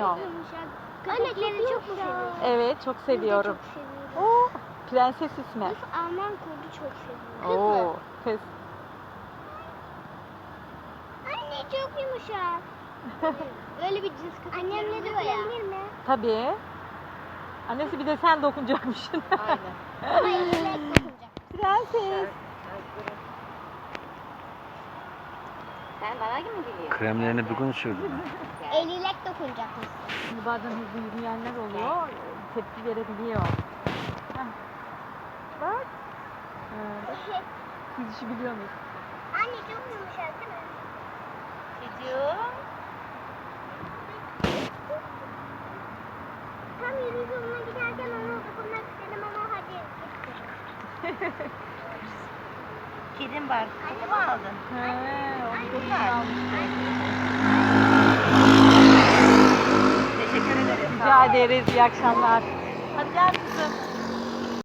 dokunmuyor. Yumuşak. Köpekleri çok seviyorum. Evet, çok seviyorum. Çok seviyorum. Oo, prenses ismi. Kız Alman kurdu çok seviyorum. Oo, kız. Anne çok yumuşak. Böyle bir cins köpekler oluyor ya. Dokunabilir mi? Tabii. Annesi bir de sen dokunacakmışsın. Aynen. Ama eliyle dokunacak. Prenses. Sen bana gibi mi geliyorsun? Kremlerini bugün sürdüm. Eliyle dokunacak mısın? Şimdi bazen hızlı yürüyenler oluyor. Tepki verebiliyor. Heh. Bak. Siz işi biliyorsunuz. Anne çok yumuşak değil mi? Çocuğum. Tam yürüyüş yoluna giderken ona dokunmak istedim ama hadi. Kedim var. Kedi mi aldın? Onu da almıştım. Teşekkür ederim. Rica ederiz. İyi akşamlar. Hadi gel kızım.